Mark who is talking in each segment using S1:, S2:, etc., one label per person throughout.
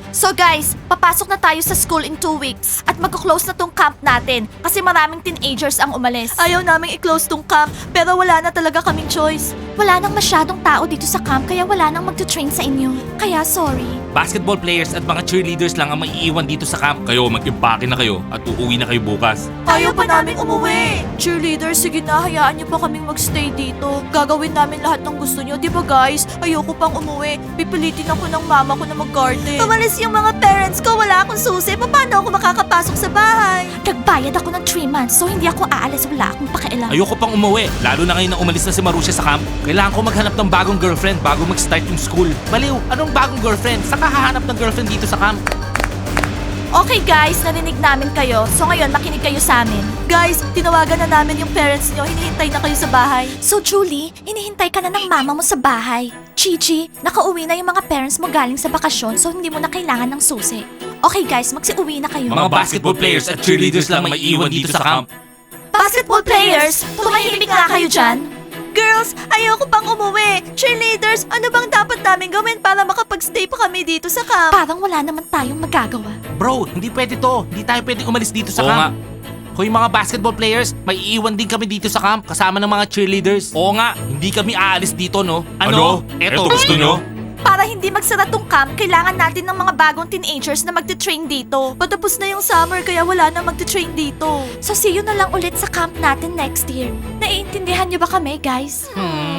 S1: So guys, papasok na tayo sa school in 2 weeks at magko-close na tong camp natin kasi maraming teenagers ang umalis. Ayaw naming i-close tong camp pero wala na talaga kaming choice. Wala nang masyadong tao dito sa camp kaya wala nang magte-train sa inyo. Kaya sorry.
S2: Basketball players at mga cheerleaders lang ang maiiwan dito sa camp. Kayo, mag-impake na kayo at uuwi na kayo bukas.
S1: Ayaw pa namin umuwi. Cheerleader, sige na, hayaan niyo pa kaming magstay dito. Gagawin namin lahat ng gusto niyo, di ba guys? Ayoko pang umuwi. Pipilitin ako ng mama ko na mag-garden. Umalis yung mga parents ko, wala akong susi. Paano ako makakapasok sa bahay? Nagbayad ako ng 3 months, so hindi ako aalis. Wala akong pakialam.
S2: Ayoko pang umuwi, lalo na ngayon na umalis na si Marusha sa camp. Kailangan ko maghanap ng bagong girlfriend bago mag-start yung school. Baliw, anong bagong girlfriend? Saan ka hahanap ng girlfriend dito sa camp?
S1: Okay guys, narinig namin kayo. So ngayon, makinig kayo sa amin. Guys, tinawagan na namin yung parents nyo. Hinihintay na kayo sa bahay. So Julie, hinihintay ka na ng mama mo sa bahay. Gigi, nakauwi na yung mga parents mo galing sa bakasyon so hindi mo na kailangan ng susi. Okay guys, magsiuwi na kayo.
S2: Mga basketball players at cheerleaders lang maiiwan dito sa camp.
S1: Basketball players, tumahimik nga kayo dyan. Girls, ayoko pang umuwi. Cheerleaders, ano bang dapat namin gawin para makapag-stay pa kami dito sa camp? Parang wala naman tayong magagawa.
S2: Bro, hindi pwede to. Hindi tayo pwede umalis dito sa
S3: Oo
S2: camp. Hoy mga basketball players, may iiwan din kami dito sa camp kasama ng mga cheerleaders. Oo nga, hindi kami aalis dito, no?
S3: Ano? Eto, gusto nyo?
S1: Para hindi magsara tong camp, kailangan natin ng mga bagong teenagers na magte-train dito. Patapos na yung summer kaya wala na magte-train dito. So see you na lang ulit sa camp natin next year. Naiintindihan niyo ba kami, guys?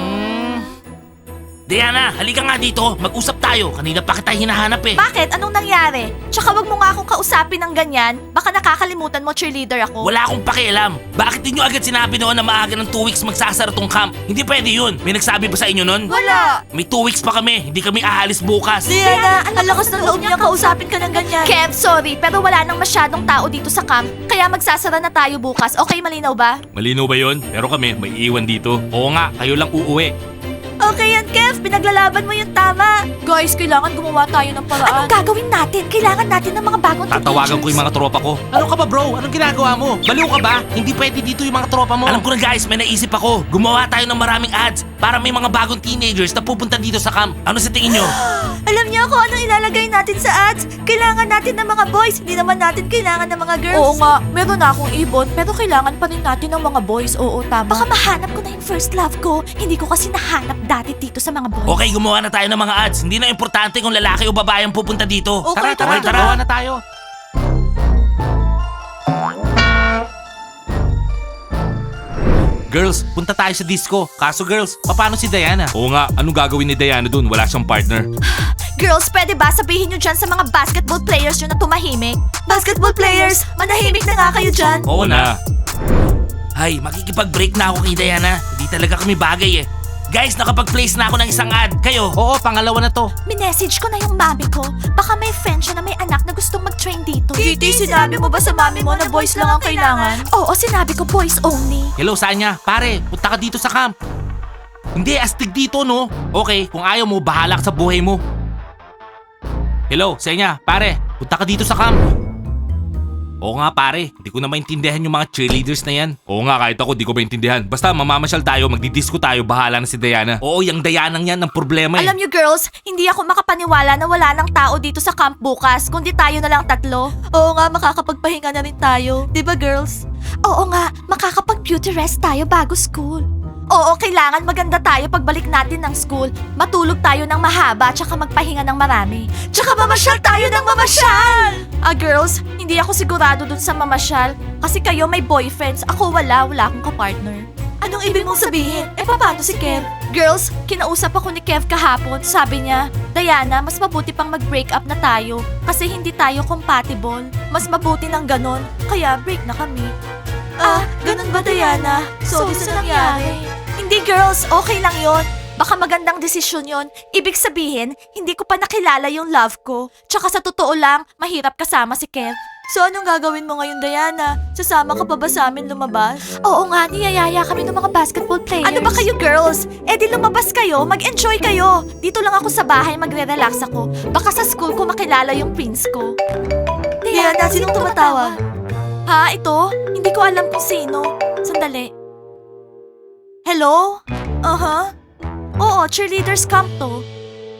S2: Diana, halika nga dito. Mag-usap tayo. Kanina pa kita hinahanap eh.
S1: Bakit? Anong nangyari? Tsaka wag mo nga akong kausapin ng ganyan. Baka nakakalimutan mo cheerleader ako.
S2: Wala akong pakialam. Bakit ninyo agad sinabi noon na maaga ng 2 weeks magsasara tong camp? Hindi pwede yun. May nagsabi ba sa inyo noon?
S1: Wala!
S2: May 2 weeks pa kami. Hindi kami aalis bukas.
S1: Diana, ang lakas ng loob niya kausapin ka ng ganyan. Kev, sorry, pero wala nang masyadong tao dito sa camp. Kaya magsasara na tayo bukas. Okay, malinaw ba?
S3: Malinaw ba yun? Pero kami, may iiwan dito.
S2: Oo nga, kayo lang uuwi.
S1: Okay yan, Kev. Pinaglalaban mo yung tama. Guys, kailangan gumawa tayo ng paraan. Anong gagawin natin? Kailangan natin ng mga bagong
S2: Tatawagan ko yung mga tropa ko. Ano ka ba bro? Anong ginagawa mo? Baliw ka ba? Hindi pwede dito yung mga tropa mo. Alam ko na guys, may naisip ako. Gumawa tayo ng maraming ads para may mga bagong teenagers na pupunta dito sa camp. Ano sa tingin nyo?
S1: Alam niyo kung anong ilalagay natin sa ads? Kailangan natin ng mga boys, hindi naman natin kailangan ng mga girls. Oo nga, meron na akong ibon, pero kailangan pa rin natin ng mga boys. Oo, tama. Baka mahanap ko na yung first love ko. Hindi ko kasi nahanap dati dito sa mga boys.
S2: Okay, gumawa na tayo ng mga ads. Hindi na importante kung lalaki o babae ang pupunta dito.
S1: Okay, tara.
S2: Gawa na tayo. Girls, punta tayo sa disco. Kaso girls, paano si Diana?
S3: Oo nga, anong gagawin ni Diana dun? Wala siyang partner.
S1: Girls, pwede ba sabihin nyo dyan sa mga basketball players nyo na tumahimik? Basketball players, manahimik na nga kayo dyan.
S2: Oo na. Hay, makikipag-break na ako kay Diana. Hindi talaga kami bagay eh. Guys, nakapag-place na ako ng isang ad. Kayo? Oo, pangalawa na to.
S1: Minessage ko na yung mami ko. Baka may friend siya na may anak na gustong mag-train dito. Kitty, sinabi mo ba sa mami mo na boys lang ang kailangan? Oo, sinabi ko boys only.
S2: Hello, Sanya. Pare, punta ka dito sa camp. Hindi, astig dito, no? Okay, kung ayaw mo, bahala ka sa buhay mo. Hello, Sanya. Pare, punta ka dito sa camp. Oo nga pare, hindi ko na maintindihan yung mga cheerleaders na yan.
S3: Oo nga, kahit ako di ko maintindihan. Basta mamamasyal tayo, magdidisco tayo, bahala na si Diana.
S2: Oo, yung Dayanang yan ang problema eh.
S1: Alam niyo girls, hindi ako makapaniwala na wala nang tao dito sa camp bukas, kundi tayo na lang 3. Oo nga, makakapagpahinga na rin tayo. Di ba girls? Oo nga, makakapag-beauty rest tayo bago school. Oo, kailangan maganda tayo pagbalik natin ng school. Matulog tayo ng mahaba, tsaka magpahinga ng marami. Tsaka mamasyal tayo ng mamasyal! Girls, hindi ako sigurado dun sa mamasyal. Kasi kayo may boyfriends, ako wala akong kapartner. Anong ibig mong sabihin? Paano si Kev? Girls, kinausap ako ni Kev kahapon. Sabi niya, Diana, mas mabuti pang mag-break up na tayo. Kasi hindi tayo compatible. Mas mabuti ng ganon. Kaya break na kami. Ganun ba Diana? Sorry sa nangyari. Hindi girls, okay lang yon. Baka magandang desisyon yon. Ibig sabihin, hindi ko pa nakilala yung love ko. Tsaka sa totoo lang, mahirap kasama si Kev. So anong gagawin mo ngayon, Diana? Sasama ka pa ba sa amin lumabas? Oo nga, niyayaya kami ng mga basketball players. Ano ba kayo girls? Di lumabas kayo, mag-enjoy kayo. Dito lang ako sa bahay, magre-relax ako. Baka sa school ko makilala yung prince ko. Diana, sinong tumatawa? Ha, ito? Hindi ko alam kung sino. Sandali. Hello? Oo, cheerleaders camp to.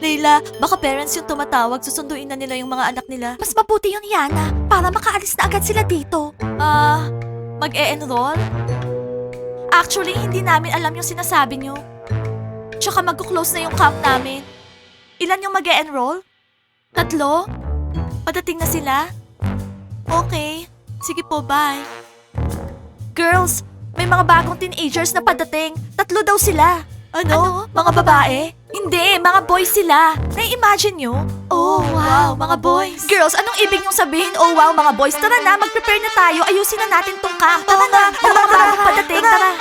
S1: Leila, baka parents yung tumatawag, susunduin na nila yung mga anak nila. Mas mabuti yun, Yana, para makaalis na agad sila dito. Mag-e-enroll? Actually, hindi namin alam yung sinasabi nyo. Tsaka mag-close na yung camp namin. Ilan yung mag-e-enroll? 3? Padating na sila? Okay. Sige po, bye. Girls, may mga bagong teenagers na padating. 3 daw sila. Ano? Mga babae? Hindi, mga boys sila. Nai-imagine nyo? Oh, wow, mga boys. Girls, anong ibig niyong sabihin? Oh, wow, mga boys. Tara na, mag-prepare na tayo. Ayusin na natin tong camp. Tara na, may mga bagong padating. Tara.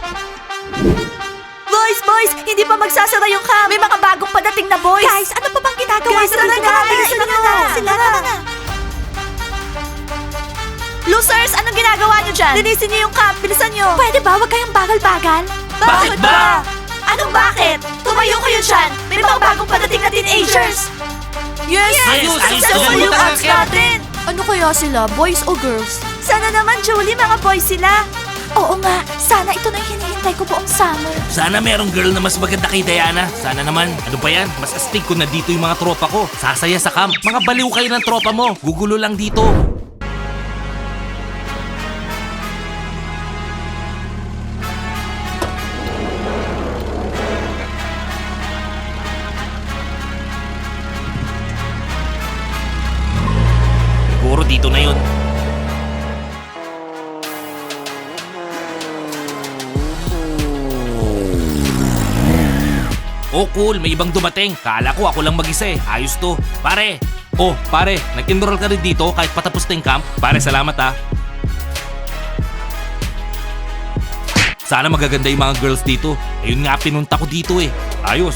S1: Boys, hindi pa magsasara yung camp. May mga bagong padating na boys. Guys, ano pa bang ginagawa sa dito? Bilisan nyo na. Tara na. Losers, anong ginagawa nyo dyan? Linisin nyo yung camp, bilisan nyo. Pwede ba? Huwag kayong bagal-bagal.
S2: Bakit ba?
S1: Anong bakit? Tumayo kayo dyan. May mga bagong padating na teenagers. Yes!
S2: Ayos,
S1: Successful
S2: ayos,
S1: yung
S2: ayos.
S1: apps natin. Ano kaya sila? Boys o girls? Sana naman, Julie, mga boys sila. Oo nga. Sana ito na yung hinihintay ko buong summer.
S2: Sana merong girl na mas maganda kay Diana. Sana naman. Ano ba yan? Mas astig ko na dito yung mga tropa ko. Sasaya sa camp. Mga baliw kayo ng tropa mo. Gugulo lang dito. Siguro dito na yun. Oh cool, may ibang dumating. Kala ko ako lang mag-isa eh. Ayos to. Pare,
S3: Oh, pare, nag-enroll ka rin dito kahit patapos na yung camp? Pare, salamat ah. Sana magaganda yung mga girls dito. Ayun nga, pinunta ko dito eh. Ayos.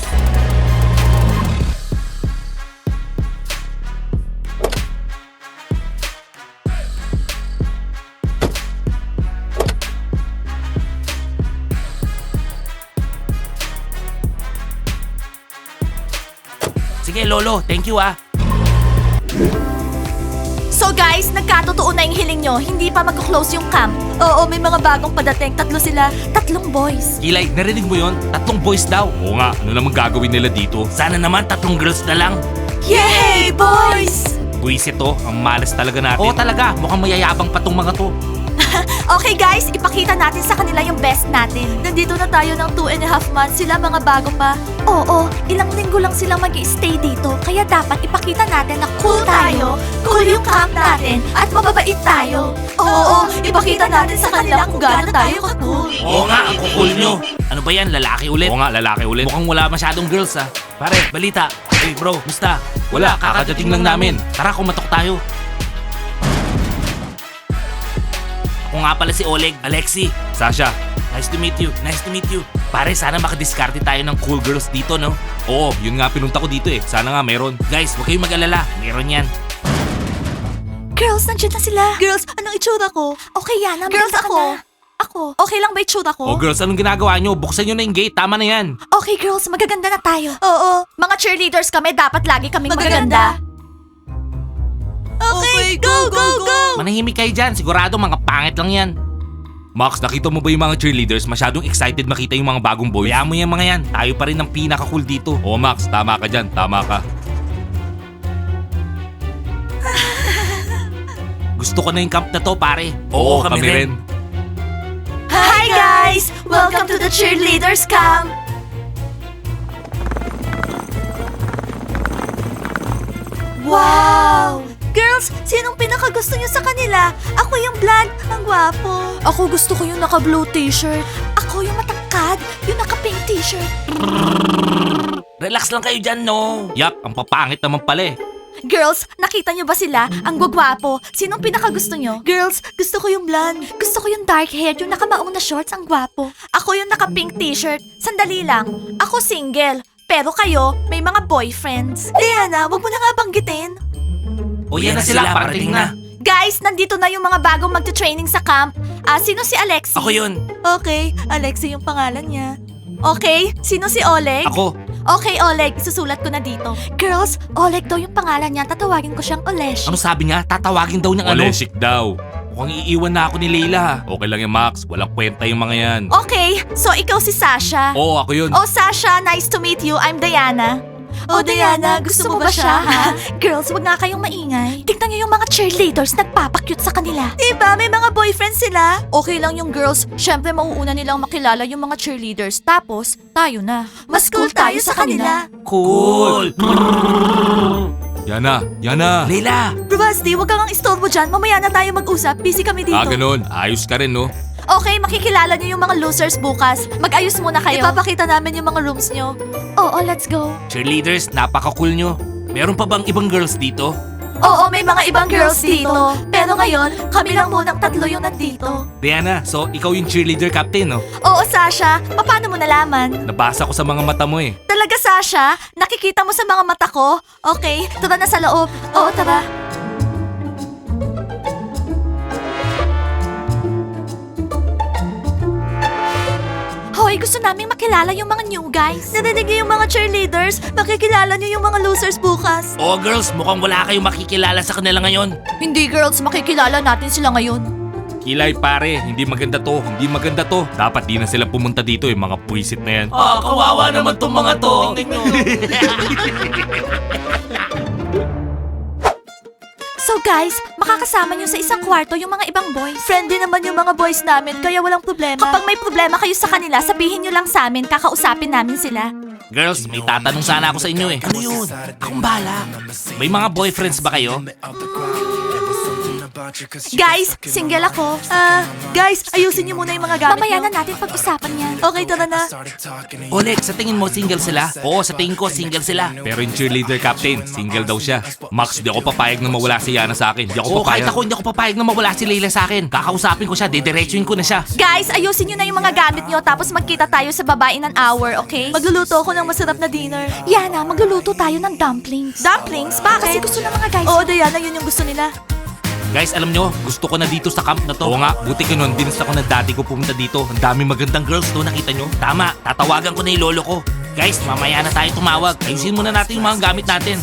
S2: sige Lolo, thank you ah.
S1: So guys, nagkatotoo na yung hiling nyo. Hindi pa mag-close yung camp. Oo, may mga bagong padating. 3 sila. 3 boys.
S2: Kilay, narinig mo yon? 3 boys daw.
S3: Oo nga, ano naman gagawin nila dito?
S2: Sana naman 3 girls na lang.
S1: Yay, boys!
S3: Buwisit to, ang malas talaga natin.
S2: Oo talaga, mukhang mayayabang pa tong mga to.
S1: Okay guys, ipakita natin sa kanila yung best natin. Nandito na tayo ng 2.5 months. Sila mga bago pa. Oo, ilang linggo lang silang mag-i-stay dito. Kaya dapat ipakita natin na cool tayo, cool yung camp natin, at mababait tayo. Oo, ipakita natin sa kanila kung gaano tayo ka-cool.
S2: Oo nga, ang kukul nyo. Ano ba yan, lalaki ulit?
S3: Oo nga, lalaki ulit.
S2: Mukhang wala masyadong girls ah. Pare, balita. Hey bro, musta?
S3: Wala, kakadating lang namin.
S2: Tara, kumatok tayo. Ako nga pala si Oleg, Alexi.
S3: Sasha,
S2: Nice to meet you, nice to meet you. Pare, sana makadiskarte tayo ng cool girls dito, no?
S3: oo, yun nga pinunta ko dito eh. Sana nga meron.
S2: Guys, huwag kayong mag-alala. Meron yan.
S1: Girls, nandiyan na sila. Girls, anong itsura ko? Okay, Yana, girls, ako. Okay lang ba itsura ko?
S3: Oh girls, anong ginagawa nyo? Buksan nyo na yung gate, tama na yan.
S1: Okay, girls, magaganda na tayo. Oo, mga cheerleaders kami, dapat lagi kaming magaganda. Okay, go!
S2: Manahimik kayo dyan. Sigurado mga pangit lang yan.
S3: Max, nakita mo ba yung mga cheerleaders? Masyadong excited makita yung mga bagong boys.
S2: Bayaan mo yan mga yan. Tayo pa rin ang pinaka-cool dito.
S3: Oo Max, tama ka dyan, tama ka.
S2: Gusto ko na yung camp na to, pare.
S3: Oo, kami rin.
S1: Hi guys! Welcome to the cheerleaders camp! Wow! Girls, sinong pinakagusto niyo sa kanila? Ako yung blonde, ang gwapo. Ako gusto ko yung naka-blue t-shirt. Ako yung matangkad, yung naka-pink t-shirt.
S2: Relax lang kayo dyan, no?
S3: Yak, ang papangit naman pala eh.
S1: Girls, nakita niyo ba sila? Ang gwagwapo. Sinong pinakagusto niyo? Girls, gusto ko yung blonde. Gusto ko yung dark hair, yung nakamaong na shorts, ang gwapo. Ako yung naka-pink t-shirt. Sandali lang. Ako single. Pero kayo, may mga boyfriends. Diana, wag mo na nga banggitin.
S2: O yan na sila, parating na.
S1: Guys, nandito na yung mga bagong magte-training sa camp. Sino si Alexi?
S2: Ako yun.
S1: Okay, Alexi yung pangalan niya. Okay, sino si Oleg?
S3: Ako,
S1: Okay, Oleg, isusulat ko na dito. Girls, Oleg daw yung pangalan niya. Tatawagin ko siyang Olesh.
S2: Ano sabi niya? Tatawagin daw niyang ano?
S3: Oleshik daw. Mukhang iiwan na ako ni Leila. Okay lang yan Max, walang kwenta yung mga yan.
S1: Okay, so ikaw si Sasha.
S3: Oo, ako yun.
S1: Oh, Sasha, nice to meet you. I'm Diana. Oh, Diana, gusto mo ba siya, ha? Girls, wag nga kayong maingay. Tingnan niyo yung mga cheerleaders nagpapakyut sa kanila. Diba, may mga boyfriend sila? Okay lang yung girls. Syempre, mauuna nilang makilala yung mga cheerleaders. Tapos, tayo na. Mas cool tayo sa kanila.
S2: Cool!
S3: Yana, Yana.
S2: Leila!
S1: Bravasti, wag kang istorbo dyan. Mamaya na tayo mag-usap. Busy kami dito.
S3: Ganun. Ayos ka rin, no?
S1: Okay, makikilala niyo yung mga losers bukas. Mag-ayos muna kayo. Ipapakita namin yung mga rooms niyo. Oo, let's go.
S2: Cheerleaders, napaka-cool nyo. Meron pa bang ibang girls dito?
S1: Oo, may mga ibang girls dito. Pero ngayon, kami lang munang tatlo yung nandito.
S2: Diana, so ikaw yung cheerleader captain, no?
S1: Oo, Sasha. Paano mo nalaman?
S2: Nabasa ko sa mga mata mo eh.
S1: Talaga, Sasha? Nakikita mo sa mga mata ko? Okay, tara na sa loob. Oo, tara. Hoy, gusto naming makilala yung mga new guys. Narinig niyo yung mga cheerleaders? Makikilala niyo yung mga losers bukas.
S2: Oh girls, mukhang wala kayong makikilala sa kanila ngayon.
S1: Hindi, girls. Makikilala natin sila ngayon.
S3: Kilay pare, hindi maganda to. Hindi maganda to. Dapat di na sila pumunta dito eh, mga puwisit na yan.
S2: Kawawa naman tong mga to.
S1: So guys, makakasama niyo sa isang kwarto yung mga ibang boys. Friendly naman yung mga boys namin, kaya walang problema. Kapag may problema kayo sa kanila, sabihin niyo lang sa amin, kakausapin namin sila.
S2: Girls, may tatanong sana ako sa inyo eh. Ano yun? Akong bahala. May mga boyfriends ba kayo?
S1: Guys, single ako. Guys, ayusin niyo muna yung mga gamit Mamaya na natin pag-usapan yan. Okay, tara na.
S2: Oleg, sa tingin mo single sila? Oo, sa tingin ko single sila.
S3: Pero yung cheerleader captain, single daw siya. Max, di ako papayag na mawala si Yana sa akin. Di ako
S2: Oo, kahit
S3: papayag.
S2: ako hindi ako papayag na mawala si Leila sa akin. Kakausapin ko siya, didiretsuin ko na siya.
S1: Guys, ayusin niyo na yung mga gamit niyo tapos magkita tayo sa baba in an hour, okay? Magluluto ako ng masarap na dinner. Yana, magluluto tayo ng dumplings. Dumplings? Bakit? Kasi gusto ng mga guys. Oo, Diana, yun yung gusto nila.
S2: Guys, alam nyo, gusto ko na dito sa camp na to.
S3: Oo nga, buti ka nun. Binas ako na dati ko pumunta dito. Ang dami magandang girls.
S2: Girls, no, nakita nyo? Tama, tatawagan ko na yung lolo ko. Guys, mamaya na tayo tumawag. Ayusin muna natin yung mga gamit natin.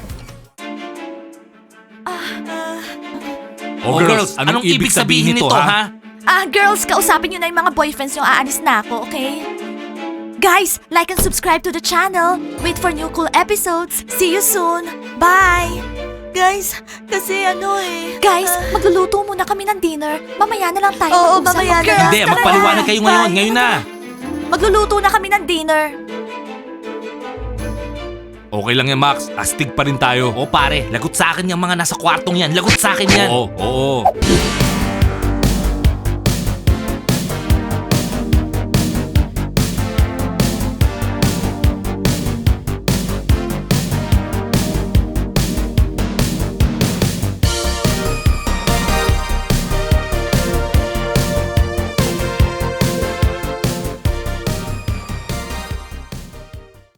S3: Oh, girls, anong ibig sabihin nito, ha?
S1: Girls, kausapin niyo na yung mga boyfriends yung aalis na ako, okay? Guys, like and subscribe to the channel. Wait for new cool episodes. See you soon. Bye! Guys, kasi Guys, magluluto muna kami ng dinner. Mamaya na lang tayo mag-usap.
S2: mamaya na.
S1: Girls,
S2: Hindi,
S1: tara
S2: magpaliwanag
S1: na.
S2: kayo ngayon.
S1: Bye.
S2: Ngayon na.
S1: Magluluto na kami ng dinner.
S3: Okay lang yan, Max. Astig pa rin tayo.
S2: O pare, lagot sa akin yung mga nasa kwartong yan. Lagot sa akin yan.
S3: Oo.